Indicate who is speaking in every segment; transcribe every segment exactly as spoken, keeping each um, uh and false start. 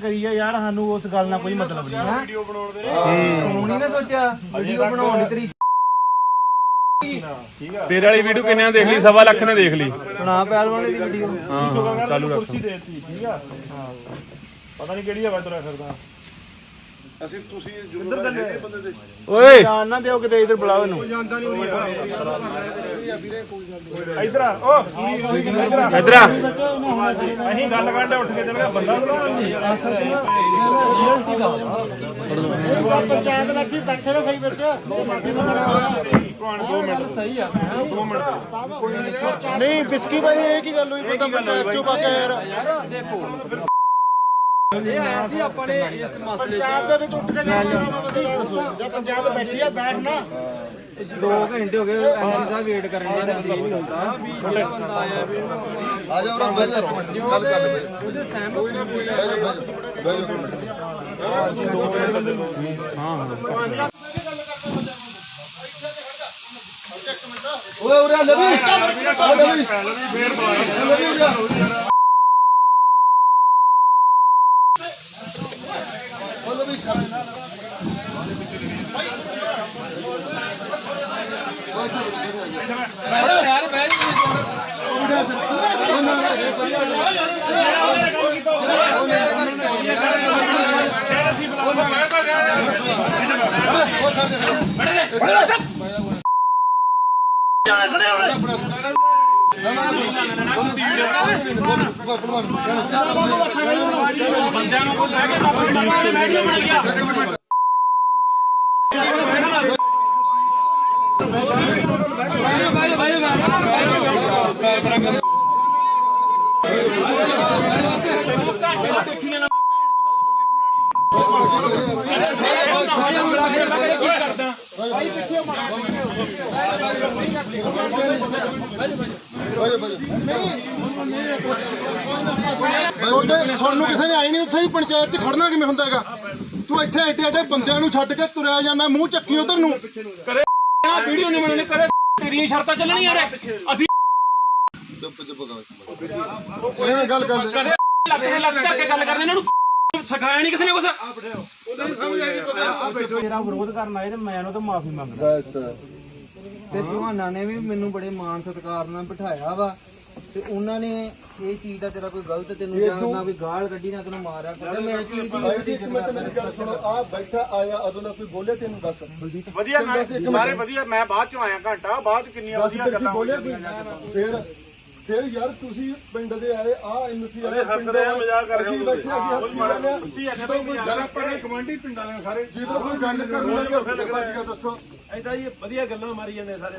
Speaker 1: ਕਰੀ ਆ ਯਾਰ, ਸਾਨੂੰ ਉਸ ਗੱਲ ਨਾਲ ਕੋਈ ਮਤਲਬ ਨਹੀਂ।
Speaker 2: ਵੀਡੀਓ ਬਣਾਉਣ ਦੇ
Speaker 3: ਤੂੰ ਨਹੀਂ ਨਾ ਸੋਚਿਆ ਵੀਡੀਓ ਬਣਾਉਣ ਦੀ ਤੇਰੀ
Speaker 4: ਤੇਰੇ ਵਾਲੀ ਵੀਡੀਓ ਕਿੰਨਿਆਂ ਦੇਖ ਲਈ? ਸਵਾ ਲੱਖ ਨੇ ਦੇਖ ਲਈ।
Speaker 3: ਬਣਾ ਪਹਿਲਵਾਨ ਦੀ ਵੀਡੀਓ।
Speaker 4: ਹਾਂ ਚਾਲੂ ਰੱਖ।
Speaker 2: ਕੁਰਸੀ ਦੇਤੀ ਠੀਕ ਆ, ਪਤਾ ਨਹੀਂ ਕਿਹੜੀ ਹਵਾ ਤੁਰਿਆ ਫਿਰਦਾ। ਅਸੀਂ ਤੁਸੀਂ ਇੱਧਰ ਬੰਦੇ ਦੇ
Speaker 4: ਓਏ
Speaker 1: ਜਾਨ ਨਾ ਦਿਓ ਕਿਤੇ, ਇੱਧਰ ਬੁਲਾਓ ਇਹਨੂੰ।
Speaker 2: ਇੱਧਰ ਆ, ਓ ਇੱਧਰ ਆ,
Speaker 4: ਇੱਧਰ ਆ।
Speaker 2: ਅਸੀਂ ਗੱਲ ਕਰਦੇ ਉੱਠ ਕੇ ਚੱਲ ਗਿਆ ਬੰਦਾ
Speaker 1: ਪੰਚਾਇਤ ਲੱਗੀ ਬੈਠੇ ਰਹੇ ਸਹੀ ਵਿੱਚ।
Speaker 2: ਦੋ ਮਿੰਟ ਸਹੀ ਆ, ਦੋ ਮਿੰਟ
Speaker 1: ਨਹੀਂ ਬਿਸਕੀ ਭਾਈ ਇਹ ਕੀ ਗੱਲ ਹੋਈ? ਬੰਦਾ ਪੰਚਾਇਤ ਚੋਂ ਪਾ ਕੇ ਯਾਰ
Speaker 3: ਦੇਖੋ ਇਹ ਆਇਆ ਸੀ ਆਪਾਂ ਨੇ ਇਸ ਮਸਲੇ
Speaker 1: ਪੰਚਾਇਤ ਦੇ ਵਿੱਚ ਉੱਠ ਕੇ ਜਾਣਾ। ਜੇ ਪੰਚਾਇਤ ਬੈਠੀ ਆ ਬੈਠ ਨਾ।
Speaker 3: ਦੋ ਘੰਟੇ ਹੋ ਗਏ ਐਮਸੀ ਦਾ ਵੇਟ ਕਰਨ ਦਾ ਨਹੀਂ ਹੁੰਦਾ ਵੀ ਜਿਹੜਾ ਬੰਦਾ ਆਇਆ ਵੀ
Speaker 5: ਆ ਜਾ ਉਹਨਾਂ ਬੈਠ ਜਾ ਗੱਲ ਕਰ ਲੈ
Speaker 3: ਉਹਦੇ ਸਹਿਮਤ ਹੋਈ ਨਾ ਕੋਈ
Speaker 5: ਬੈਠ ਜਾ ਓਏ ਉਰੇ ਲਵੀ ਆ ਲਵੀ ਫੇਰ ਮਾਰ ਲਵੀ ਉਰੇ ਓ ਲਵੀ
Speaker 3: ਯਾਰ ਬੈਠ
Speaker 2: ਬੰਦਿਆਂ ਨੂੰ ਕੋਈ ਕਹਿ ਕੇ ਮਿਲ ਗਿਆ।
Speaker 5: ਸਾਨੂੰ ਕਿਸੇ ਨੇ ਆਈ ਨਹੀਂ ਸਹੀ ਪੰਚਾਇਤ ਚ ਖੜਨਾ ਕਿਵੇਂ ਹੁੰਦਾ ਹੈਗਾ? ਤੂੰ ਇੱਥੇ ਐਡੇ ਐਡੇ ਬੰਦਿਆਂ ਨੂੰ ਛੱਡ ਕੇ ਤੁਰਿਆ ਜਾਂਦਾ, ਮੂੰਹ ਚੱਕੀ ਉਧਰ ਨੂੰ।
Speaker 2: ਕਰੇ ਵੀਡੀਓ ਨਹੀਂ ਬਣਾਉਣੀ, ਕਰੇ ਤੇਰੀਆਂ ਸ਼ਰਤਾਂ ਚੱਲਣੀਆਂ ਰੇ। ਅਸੀਂ
Speaker 5: ਚੁੱਪ ਚੁੱਪ ਕਰ ਗੱਲ ਕਰ
Speaker 2: ਕਦੇ ਲੱਗ ਕੇ ਲੱਗ ਕੇ ਗੱਲ ਕਰਦੇ, ਇਹਨਾਂ ਨੂੰ ਸਿਖਾਇਆ ਨਹੀਂ ਕਿਸੇ ਨੇ ਕੁਛ।
Speaker 1: ਮੇਰਾ ਵਿਰੋਧ ਕਰਨ ਆਏ ਤੇ ਮੈਂ ਉਹਨਾਂ ਤੋਂ ਮਾਫੀ ਮੰਗਦਾ।
Speaker 3: ਤੇ ਭਗਵਾਨਾਂ ਨੇ ਵੀ ਮੈਨੂੰ ਬੜੇ ਮਾਣ ਸਤਿਕਾਰ ਨਾਲ ਬਿਠਾਇਆ ਵਾ ਤੇ ਉਹਨਾਂ ਨੇ ਇਹ ਚੀਜ਼ ਦਾ ਤੇਰਾ ਕੋਈ ਗਲਤ ਤੈਨੂੰ ਜਾਣਦਾ ਵੀ ਗਾਲ ਕੱਢੀ ਨਾ ਤੈਨੂੰ ਮਾਰਿਆ ਕਰਦੇ। ਮੈਂ ਇਹ ਚੀਜ਼ ਦੀ
Speaker 5: ਆ ਬੈਠਾ ਆਇਆ ਉਦੋਂ ਦਾ ਕੋਈ ਬੋਲੇ ਤੈਨੂੰ ਦੱਸ
Speaker 1: ਵਧੀਆ ਸਾਰੇ ਵਧੀਆ। ਮੈਂ ਬਾਅਦ ਚੋਂ ਆਇਆ ਘੰਟਾ ਬਾਅਦ, ਕਿੰਨੀਆਂ ਵਧੀਆ ਗੱਲਾਂ
Speaker 5: ਬੋਲੇ ਫਿਰ ਫਿਰ ਯਾਰ ਤੁਸੀਂ ਪਿੰਡ ਦੇ ਆਏ ਆ ਐਮਸੀ ਵਾਲੇ ਹੱਸਦੇ ਆ, ਮਜ਼ਾਕ ਕਰ ਰਹੇ ਹੋ ਤੁਸੀਂ।
Speaker 2: ਪਰ ਕਮਾਂਡੀ ਪਿੰਡਾਂ ਦੇ ਸਾਰੇ
Speaker 5: ਜਦੋਂ ਕੋਈ ਗੱਲ ਕਰਨ ਲੱਗੇ ਫਿਰ ਦੱਸੋ
Speaker 2: ਐਦਾਂ ਹੀ ਵਧੀਆ ਗੱਲਾਂ ਮਾਰੀ ਜਾਂਦੇ ਸਾਰੇ।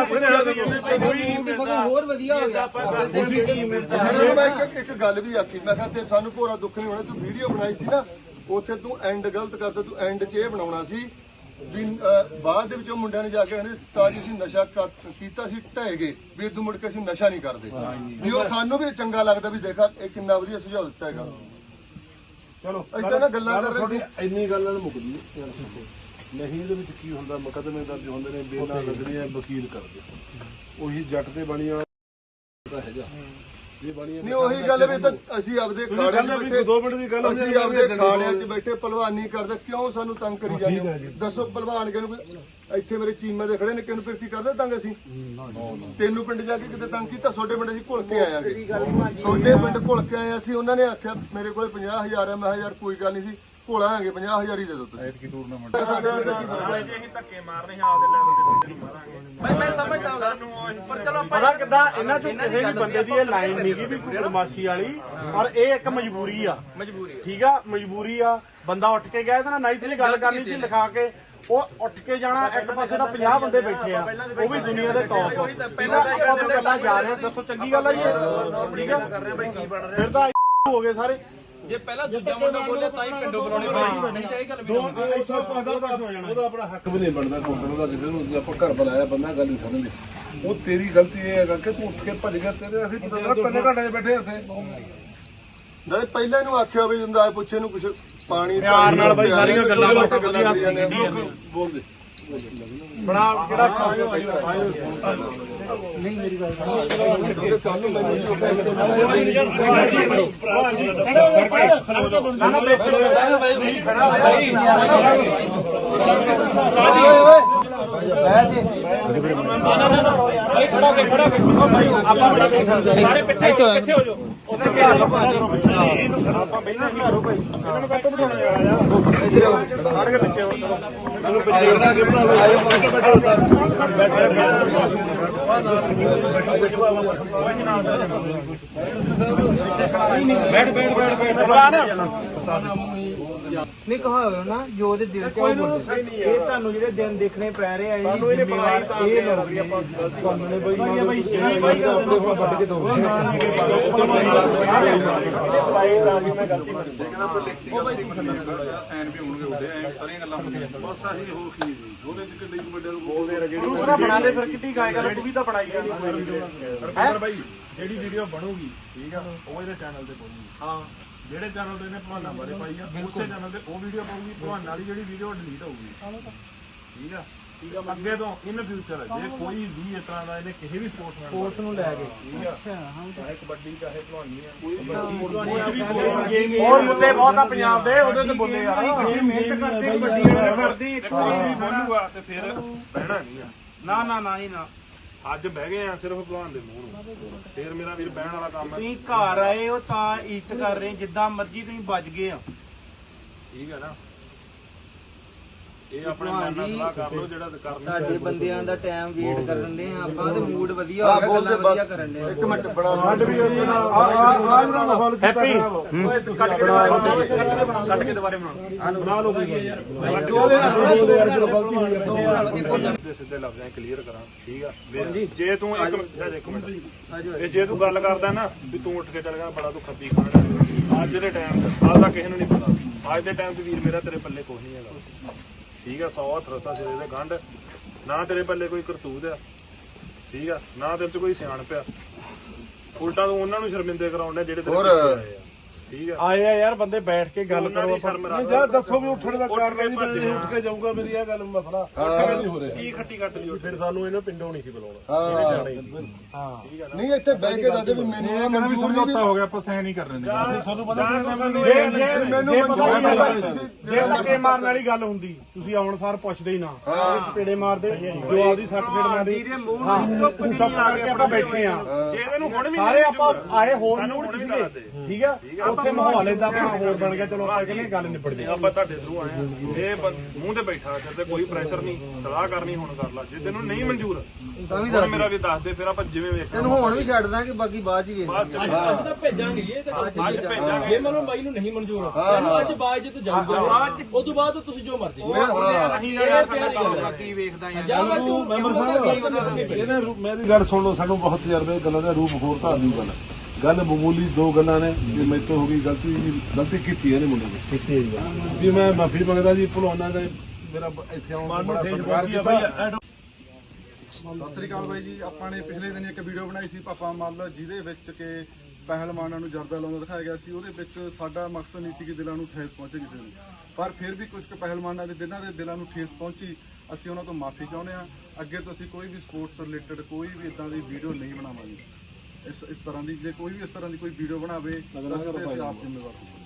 Speaker 3: ਹੋਰ ਵਧੀਆ ਹੋ ਗਿਆ।
Speaker 5: ਮੈਨੂੰ ਮੈਂ ਇੱਕ ਇੱਕ ਗੱਲ ਵੀ ਆਖੀ, ਮੈਂ ਕਿਹਾ ਤੇ ਸਾਨੂੰ ਭੋਰਾ ਦੁੱਖ ਨਹੀਂ ਹੋਣਾ। ਤੂੰ ਵੀਡੀਓ ਬਣਾਈ ਸੀ ਨਾ, ਉੱਥੇ ਤੂੰ ਐਂਡ ਗਲਤ ਕਰਤਾ। ਤੂੰ ਐਂਡ 'ਚ ਇਹ ਬਣਾਉਣਾ ਸੀ ਵੀ ਬਾਅਦ ਦੇ ਵਿੱਚ ਉਹ ਮੁੰਡਿਆਂ ਨੇ ਜਾ ਕੇ ਕਹਿੰਦੇ ਸਤਾਜ ਅਸੀਂ ਨਸ਼ਾ ਕੀਤਾ ਸੀ, ਢਹਿ ਗਏ ਵੀ ਇਦੋਂ ਮੁੜ ਕੇ ਅਸੀਂ ਨਸ਼ਾ ਨਹੀਂ ਕਰਦੇ। ਵੀ ਉਹ ਸਾਨੂੰ ਵੀ ਚੰਗਾ ਲੱਗਦਾ ਵੀ ਦੇਖਾ ਇਹ ਕਿੰਨਾ ਵਧੀਆ ਸੁਝਾਅ ਦਿੱਤਾ ਹੈਗਾ।
Speaker 2: ਚਲੋ
Speaker 5: ਏਦਾਂ ਨਾ ਗੱਲਾਂ ਕਰ ਰਹੇ ਸੀ।
Speaker 6: ਇੰਨੀ ਗੱਲ ਨਾਲ ਮੁੱਕਦੀ ਨਹੀਂ। ਇਹਦੇ ਵਿੱਚ ਕੀ ਹੁੰਦਾ, ਮੁਕੱਦਮੇ ਦਰਜ ਹੁੰਦੇ ਨੇ, ਬੇਨਾਂ ਲੱਗਦੀਆਂ, ਵਕੀਲ ਕਰਦੇ ਉਹੀ ਜੱਟ ਤੇ ਬਣੀਆਂ ਹੈਗਾ।
Speaker 5: ਨਹੀਂ ਉਹੀ ਗੱਲ ਵੀ ਤਾਂ ਅਸੀਂ ਆਪਦੇ ਖਾੜਿਆਂ 'ਚ ਬੈਠੇ,
Speaker 6: ਦੋ ਮਿੰਟ ਦੀ ਗੱਲ
Speaker 5: ਅਸੀਂ ਆਪਦੇ ਖਾੜਿਆਂ 'ਚ ਬੈਠੇ ਭਲਵਾਨੀ ਕਰਦੇ, ਕਿਉਂ ਸਾਨੂੰ ਤੰਗ ਕਰੀ ਜਾਂਦੇ ਹੋ? ਦੱਸੋ ਭਲਵਾਨ ਕਿਹਨੂੰ? ਇੱਥੇ ਮੇਰੇ ਚੀਮੇ ਦੇ ਖੜੇ ਨੇ, ਕਿਹਨੂੰ ਪਿਰਤੀ ਕਰਦੇ ਤੰਗ ਅਸੀਂ? ਤੈਨੂੰ ਪਿੰਡ ਜਾ ਕੇ ਕਿਤੇ ਤੰਗ ਕੀਤਾ? ਛੋਟੇ ਪਿੰਡ ਅਸੀਂ ਘੁਲ ਕੇ ਆਇਆਂਗੇ, ਛੋਟੇ ਪਿੰਡ ਘੁਲ ਕੇ ਆਏ ਅਸੀਂ। ਉਹਨਾਂ ਨੇ ਆਖਿਆ ਮੇਰੇ ਕੋਲ ਪੰਜਾਹ ਹਜ਼ਾਰ ਹੈ। ਮੈਂ ਯਾਰ ਕੋਈ ਗੱਲ ਨਹੀਂ ਸੀ, ਘੋਲਾਂਗੇ ਪੰਜਾਹ ਹਜ਼ਾਰ ਹੀ ਦੇ ਦੋ ਤੁਸੀਂ। ਟੂਰਨਾਮੈਂਟ ਸਾਡੇ ਤੇ ਕੀ ਫਰਕ ਹੈ?
Speaker 2: ਅਸੀਂ ਧੱਕੇ ਮਾਰਨੇ ਆ ਆਪਦੇ ਲੈਵਲ ਤੇ ਮਾਰਾਂਗੇ।
Speaker 3: ਮੈਂ ਮੈਂ ਸਮਝਦਾ ਹਾਂ ਪਰ ਚਲੋ
Speaker 1: ਪਤਾ ਕਿੱਦਾਂ ਇਹਨਾਂ ਚੋਂ ਕਿਸੇ ਵੀ ਬੰਦੇ ਦੀ ਇਹ ਲਾਈਨ ਨਹੀਂ ਗਈ ਵੀ ਕੋਈ ਬਦਮਾਸ਼ੀ ਵਾਲੀ, ਪਰ ਇਹ ਇੱਕ ਮਜਬੂਰੀ ਆ।
Speaker 3: ਮਜਬੂਰੀ
Speaker 1: ਠੀਕ ਆ, ਮਜਬੂਰੀ ਆ। ਬੰਦਾ ਉੱਠ ਕੇ ਗਿਆ ਇਹਦੇ ਨਾਲ ਨਾਈਸਲੀ ਗੱਲ ਕਰਨੀ ਸੀ, ਲਿਖਾ ਕੇ ਉਹ ਉੱਠ ਕੇ ਜਾਣਾ। ਇੱਕ ਪਾਸੇ ਤਾਂ ਪੰਜਾਹ ਬੰਦੇ ਬੈਠੇ ਆ, ਉਹ ਵੀ ਦੁਨੀਆ ਦੇ ਟੌਪ। ਪਹਿਲਾਂ ਆਪਾਂ ਤੋਂ ਗੱਲਾਂ ਜਾ ਰਹੇ, ਦੱਸੋ ਚੰਗੀ ਗੱਲ ਆ ਜੀ ਇਹ? ਠੀਕ ਆ, ਫਿਰ ਤਾਂ ਹੋ ਗਏ ਸਾਰੇ।
Speaker 3: ਜੇ ਪਹਿਲਾਂ ਦੂਜਾ ਮੁੰਡਾ ਬੋਲੇ ਤਾਂ ਹੀ ਪਿੰਡੋਂ ਬੁਲਾਉਣੇ ਪੈਣੇ, ਨਹੀਂ ਤਾਂ ਇਹ ਗੱਲ ਵੀ ਨਾ
Speaker 6: ਉਹਦਾ ਆਪਣਾ ਹੱਕ ਵੀ ਨਹੀਂ ਬਣਦਾ ਕੋਟਣ ਦਾ। ਜਿਹਨੂੰ ਆਪਾਂ ਘਰ ਬੁਲਾਇਆ ਬੰਦਾ ਗੱਲ ਨਹੀਂ ਸਮਝਦੇ। ਉਹ ਤੇਰੀ ਗਲਤੀ ਇਹ ਹੈਗਾ ਕਿ ਤੂੰ ਉੱਠ ਕੇ ਭੱਜ ਗਿਆ। ਤੇਰੇ ਅਸੀਂ ਪਤਾ ਤਿੰਨ ਘੰਟੇ ਬੈਠੇ ਇੱਥੇ।
Speaker 5: ਨਹੀਂ ਪਹਿਲਾਂ ਇਹਨੂੰ ਆਖਿਆ ਵੀ ਹੁੰਦਾ ਪੁੱਛੇ ਨੂੰ ਕੁਛ ਪਾਣੀ
Speaker 1: ਪਿਆਰ ਨਾਲ ਬਾਈ ਸਾਰੀਆਂ ਗੱਲਾਂ
Speaker 6: ਬੋਲਦੇ
Speaker 1: ਬਣਾ ਕਿਹੜਾ
Speaker 3: ਨਹੀਂ ਮੇਰੀ ਗੱਲ ਸੁਣੋ।
Speaker 5: ਕੱਲ ਨੂੰ ਮੈਨੂੰ
Speaker 1: ਨਾ ਨਾ ਬੇਟੇ ਨਹੀਂ ਖੜਾ
Speaker 4: ਸਾਰੇ ਪਿੱਛੇ ਪਿੱਛੇ ਹੋ ਜਾਓ
Speaker 1: ਆਪਾਂ ਪਹਿਲਾਂ ਹੀ ਘਰੋਂ ਭਾਈ ਇਹਨਾਂ ਨੂੰ ਕੱਟ ਬਿਠਾਉਣਾ ਯਾਰ ਸਾਡੇ ਪਿੱਛੇ ਹੋ ਮੈਨੂੰ ਪਿੱਛੇ ਬੈਠ ਬੈਠ ਬੈਠ ਬੈਠ
Speaker 3: ਨਹੀਂ ਕਹਾਵੇ ਨਾ ਜੋ ਉਹਦੇ ਦਿਲ ਚ ਆ ਉਹ ਬੋਲੋ।
Speaker 1: ਇਹ ਤੁਹਾਨੂੰ ਜਿਹੜੇ ਦਿਨ ਦੇਖਣੇ ਪੈ ਰਹੇ ਆ ਸਾਨੂੰ ਇਹਨੇ ਬਣਾਈ ਤਾਂ ਇਹ ਲੋਕ ਆਪਾਂ ਤੁਹਾਨੂੰ ਨੇ ਬਈ ਬਈ ਇਹ ਬਈ ਆਪਣੇ ਕੋਲ ਵੱਢ ਕੇ ਦੋ ਦੂਸਰਾ ਬਣਾ ਦੇ ਫਿਰ ਕਿੱਡੀ ਗਾਇ ਕਰ ਤੂੰ ਵੀ ਤਾਂ ਬਣਾਈ ਜਾਂਦੀ ਹੈ
Speaker 2: ਬਾਈ ਜਿਹੜੀ ਵੀਡੀਓ ਬਣੂਗੀ ਠੀਕ ਆ ਉਹ ਇਹਦੇ ਚੈਨਲ ਤੇ ਪਾਉਗੀ
Speaker 1: ਹਾਂ
Speaker 2: ਜਿਹੜੇ ਚੈਨਲ ਤੇ ਇਹਨੇ ਭਵਾਨਾ ਬਾਰੇ ਪਾਈ ਆ ਉਸੇ ਚੈਨਲ ਤੇ ਉਹ ਵੀਡੀਓ ਪਾਉਗੀ ਭਵਾਨਾ ਵਾਲੀ ਜਿਹੜੀ ਵੀਡੀਓ ਡਿਲੀਟ ਹੋਊਗੀ ਠੀਕ ਆ ਠੀਕ ਆ ਅੱਗੇ ਤੋਂ ਇਨ ਫਿਊਚਰ ਜੇ ਕੋਈ ਵੀ ਇਸ ਤਰ੍ਹਾਂ ਦਾ ਇਹਨੇ ਕਿਸੇ ਵੀ ਸਪੋਰਟਸਮੈਨ
Speaker 3: ਸਪੋਰਟਸ ਨੂੰ ਲੈ ਕੇ
Speaker 2: ਠੀਕ ਆ ਚਾਹੇ ਕਬੱਡੀ ਚਾਹੇ ਭਲਵਾਨੀ ਆ ਕੋਈ ਵੀ
Speaker 1: ਹੋਰ ਮੁੱਦੇ ਬਹੁਤ ਆ ਪੰਜਾਬ ਦੇ ਉਹਦੇ ਤੇ ਬੋਲੇ ਯਾਰ
Speaker 2: ਮਿਹਨਤ ਕਰਦੇ ਕਬੱਡੀ ਵਾਲੇ ਕਰਦੀ ਕੁਝ ਵੀ ਬੋਲੂਗਾ ਤੇ ਫਿਰ ਬਹਿਣਾ ਨਹੀਂ ਆ
Speaker 1: ਨਾ ਨਾ ਨਾ ਹੀ ਨਾ
Speaker 2: ਅੱਜ ਬਹਿ ਗਏ ਆ ਸਿਰਫ ਭਲਵਾਨ ਦੇ ਮੂੰਹ ਨੂੰ ਫਿਰ ਮੇਰਾ ਵੀਰ ਬਹਿਣ ਵਾਲਾ ਕੰਮ ਹੈ
Speaker 1: ਤੁਸੀਂ ਘਰ ਆਏ ਹੋ ਤਾਂ ਇੱਜ਼ਤ ਕਰ ਰਹੇ ਜਿੱਦਾਂ ਮਰਜ਼ੀ ਤੁਸੀਂ ਵੱਜ ਗਏ ਆ
Speaker 2: ਠੀਕ ਹੈ ਨਾ ਇਹ ਆਪਣੇ ਮਨ ਨਾਲ ਸਲਾਹ ਕਰ ਲਓ ਜਿਹੜਾ ਕਰਨਾ
Speaker 3: ਸਾਡੇ ਬੰਦਿਆਂ ਦਾ ਟਾਈਮ ਵੇਟ ਕਰਨ ਦੇ ਆ ਆਪਾਂ ਤੇ ਮੂਡ ਵਧੀਆ ਹੋ ਗਿਆ ਗੱਲਾਂ ਵਧੀਆ ਕਰਨ ਦੇ
Speaker 5: ਇੱਕ ਮਿੰਟ ਬਣਾ
Speaker 1: ਹੈਪੀ ਕੱਟ ਕੇ ਕੱਟ ਕੇ ਦੁਬਾਰੇ ਬਣਾ ਬਣਾ ਲਓ
Speaker 2: ਸਿੱਧੇ ਸਿੱਧੇ ਲਫ਼ਜ਼ਾਂ ਕਲੀਅਰ ਕਰਾਂ ਠੀਕ ਆ ਵੀ ਜੇ ਤੂੰ ਇੱਕ ਮਿੰਟ ਇੱਕ ਮਿੰਟ ਇਹ ਜੇ ਤੂੰ ਗੱਲ ਕਰਦਾ ਨਾ ਵੀ ਤੂੰ ਉੱਠ ਕੇ ਚੱਲ ਗਿਆ ਬੜਾ ਤੂੰ ਖੱਬੀ ਖਾਣਾ ਅੱਜ ਦੇ ਟਾਈਮ ਤੇ ਆਹ ਤਾਂ ਕਿਸੇ ਨੂੰ ਨਹੀਂ ਪਤਾ ਅੱਜ ਦੇ ਟਾਈਮ ਤੇ ਵੀਰ ਮੇਰਾ ਤੇਰੇ ਪੱਲੇ ਕੁਛ ਨਹੀਂ ਹੈਗਾ ਠੀਕ ਆ ਸੌ ਹੱਥ ਰਸਾ ਸਿਰੇ ਦੇ ਗੰਢ ਨਾ ਤੇਰੇ ਪੱਲੇ ਕੋਈ ਕਰਤੂਤ ਆ ਠੀਕ ਆ ਨਾ ਤੇਰੇ ਚ ਕੋਈ ਸਿਆਣਪ ਆ ਉਲਟਾ ਤੂੰ ਉਹਨਾਂ ਨੂੰ ਸ਼ਰਮਿੰਦੇ ਕਰਾਉਂਦਾ ਜਿਹੜੇ ਤੇਰੇ ਪਿੱਛੇ ਆਏ ਆ ਠੀਕ ਆ
Speaker 1: ਆਏ ਆ ਯਾਰ ਬੰਦੇ ਬੈਠ ਕੇ ਗੱਲ ਕਰੋ
Speaker 2: ਆਪਾਂ
Speaker 6: ਯਾਰ ਦੱਸੋ ਵੀ ਉੱਠਣ ਦਾ ਕਾਰਨ ਜੀ ਮੈਂ ਉੱਠ ਕੇ ਜਾਊਂਗਾ ਮੇਰੀ ਇਹ ਗੱਲ ਮਸਲਾ ਨਹੀਂ ਹੋ ਰਿਹਾ
Speaker 2: ਕੀ ਖੱਟੀ ਕੱਟ ਲਈ ਫਿਰ ਸਾਨੂੰ ਇਹਨੂੰ ਪਿੰਡੋਂ ਨਹੀਂ ਸੀ ਬੁਲਾਉਣਾ
Speaker 5: ਹਾਂ ਨਹੀਂ ਇੱਥੇ ਬਹਿ ਕੇ ਦੱਸਦੇ ਵੀ ਮੈਨੂੰ ਇਹ ਮਨਜ਼ੂਰ ਨਹੀਂ
Speaker 1: ਹੋ ਗਿਆ ਆਪਾਂ ਸਹਿ ਨਹੀਂ ਕਰ ਰਹੇ
Speaker 6: ਤੁਹਾਨੂੰ ਪਤਾ
Speaker 2: ਸਾਨੂੰ
Speaker 1: ਜੇ ਜੇ
Speaker 5: ਮੈਨੂੰ
Speaker 1: ਜੇ ਪਤਾ
Speaker 5: ਮਨਜ਼ੂਰ
Speaker 1: ਕੀ
Speaker 5: ਨਹੀਂ
Speaker 1: ਗੱਲ
Speaker 5: ਤੁਸੀਂ
Speaker 1: ਜੇ ਧੱਕੇ ਮਾਰਨ ਵਾਲੀ ਗੱਲ ਹੁੰਦੀ ਤੁਸੀਂ ਆਉਣ ਸਾਰ ਪੁੱਛਦੇ ਹੀ ਨਾ ਪੇੜੇ ਮਾਰਦੇ ਜੋ ਆਪਦੀ ਸੱਟ ਫੇੜ ਮਾਰਦੀ ਹਾਂ ਚੁੱਪ ਕਰਕੇ ਆਪਾਂ ਬੈਠੇ ਆ
Speaker 2: ਜੇ ਇਹਨੂੰ ਹੁਣ ਵੀ
Speaker 1: ਸਾਰੇ ਆਪਾਂ ਆਏ ਹੋਰ
Speaker 2: ਸਾਨੂੰ
Speaker 1: ਨੂੰ
Speaker 2: ਹੁਣ ਵੀ
Speaker 1: ਸੀਗੇ
Speaker 2: ਦੱਸ ਦੇ
Speaker 1: ਠੀਕ ਆ ਉੱਥੇ ਮਾਹੌਲ ਏਦਾਂ ਬਣਾ ਹੋਰ ਬਣ ਗਿਆ ਚਲੋ ਆਪਾਂ ਕਹਿੰਦੇ ਗੱਲ ਨਿਬੜ ਜੇ
Speaker 2: ਆਪਾਂ ਤੁਹਾਡੇ ਥਰੂ ਆਏ ਆ ਇਹ ਬੰ- ਮੂੰਹ ਤੇ ਬੈਠਾ ਤੇ ਕੋਈ ਪ੍ਰੈਸ਼ਰ ਨਹੀਂ ਸਲਾਹ ਕਰਨੀ ਹੁਣ ਕਰ ਲਾ ਜੇ ਤੈਨੂੰ ਨਹੀਂ ਮਨਜ਼ੂਰ
Speaker 3: ਤਾਂ ਵੀ
Speaker 2: ਹੁਣ ਮੇਰਾ ਵੀ ਦੱਸ ਦੇ ਫਿਰ ਆਪਾਂ ਜਿਵੇਂ ਵੇਖਾਂ
Speaker 3: ਤੈਨੂੰ ਹੁਣ ਵੀ ਛੱਡ ਦਾਂਗੇ ਬਾਕੀ ਬਾਅਦ ਚ ਹੀ ਵੇਖ
Speaker 2: ਬਾਅਦ ਚ
Speaker 7: ਅੱਜ ਤਾਂ ਭੇਜਾਂਗੇ ਇਹ ਤਾਂ
Speaker 2: ਅੱਜ ਭੇਜਾਂਗੇ
Speaker 7: ਜੇ ਮੰਨ ਬਾਈ ਨੂੰ ਨਹੀਂ ਮਨਜ਼ੂਰ ਤੈਨੂੰ ਅੱਜ ਬਾਅਦ ਚ ਜਾਊਗਾ ਉਸ ਤੋਂ ਬਾਅਦ ਤੁਸੀਂ ਜੋ ਮਰਜ਼ੀ
Speaker 2: ਅਸੀਂ ਯਾਰ ਸਾਡਾ ਕੰਮ
Speaker 1: ਕੀ ਵੇਖਦਾ ਯਾਰ
Speaker 7: ਜਾਂ ਬਾਅਦ ਤੂੰ
Speaker 6: ਮੈਂਬਰ ਸਾਹਿਬ ਇਹਨੇ ਰੂ- ਮੇਰੀ ਗੱਲ ਸੁਣ ਲਓ ਸਾਨੂੰ ਬਹੁਤ ਤਜਰਬੇ ਗੱਲਾਂ ਦਾ ਰੂਪ ਹੋਰ ਧਾਰਨੀ ਗੱਲ ਗੱਲ ਮਾਮੂਲੀ ਦੋ ਗੱਲਾਂ ਨੇ ਕਿ ਮੇਰੇ ਤੋਂ ਹੋ ਗਈ ਗਲਤੀ ਗਲਤੀ ਕੀਤੀ ਇਹਨੇ ਮੁੰਡੇ ਨੇ ਕੀਤੀ ਹੈ ਜੀ ਮੈਂ ਮਾਫੀ ਮੰਗਦਾ ਜੀ ਭਲਵਾਨਾਂ ਦਾ ਮੇਰਾ ਬ- ਇੱਥੇ ਆਉਣ ਦਾ ਬੜਾ ਸਤਿਕਾਰ ਕੀਤਾ
Speaker 8: ਸਤਿ ਸ੍ਰੀ ਅਕਾਲ ਬਾਈ ਜੀ ਆਪਾਂ ਨੇ ਪਿਛਲੇ ਦਿਨ ਇੱਕ ਵੀਡੀਓ ਬਣਾਈ ਸੀ ਪਾਪਾ ਮੱਲ ਜਿਹਦੇ ਵਿੱਚ ਕਿ ਪਹਿਲਵਾਨਾਂ ਨੂੰ ਜਰਦਾ ਲਾਉਂਦਾ ਦਿਖਾਇਆ ਗਿਆ ਸੀ ਉਹਦੇ ਵਿੱਚ ਸਾਡਾ ਮਕਸਦ ਨਹੀਂ ਸੀ ਕਿ ਦਿਲਾਂ ਨੂੰ ਠੇਸ ਪਹੁੰਚੇ ਕਿਸੇ ਨੂੰ ਪਰ ਫਿਰ ਵੀ ਕੁਝ ਕੁ ਪਹਿਲਵਾਨਾਂ ਦੇ ਦਿਲਾਂ ਦੇ ਦਿਲਾਂ ਨੂੰ ਠੇਸ ਪਹੁੰਚੀ ਅਸੀਂ ਉਹਨਾਂ ਤੋਂ ਮਾਫੀ ਚਾਹੁੰਦੇ ਹਾਂ ਅੱਗੇ ਤੋਂ ਅਸੀਂ ਕੋਈ ਵੀ ਸਪੋਰਟਸ ਰਿਲੇਟਡ ਕੋਈ ਵੀ ਇਦਾਂ ਦੀ ਵੀਡੀਓ ਨਹੀਂ ਬਣਾਵਾਂਗੇ ਇਸ ਇਸ ਤਰ੍ਹਾਂ ਦੀ ਜੇ ਕੋਈ ਵੀ ਇਸ ਤਰ੍ਹਾਂ ਦੀ ਕੋਈ ਵੀਡੀਓ ਬਣਾਵੇ ਤਾਂ ਅਸੀਂ ਆਪ ਜ਼ਿੰਮੇਵਾਰ ਹੋਵਾਂਗੇ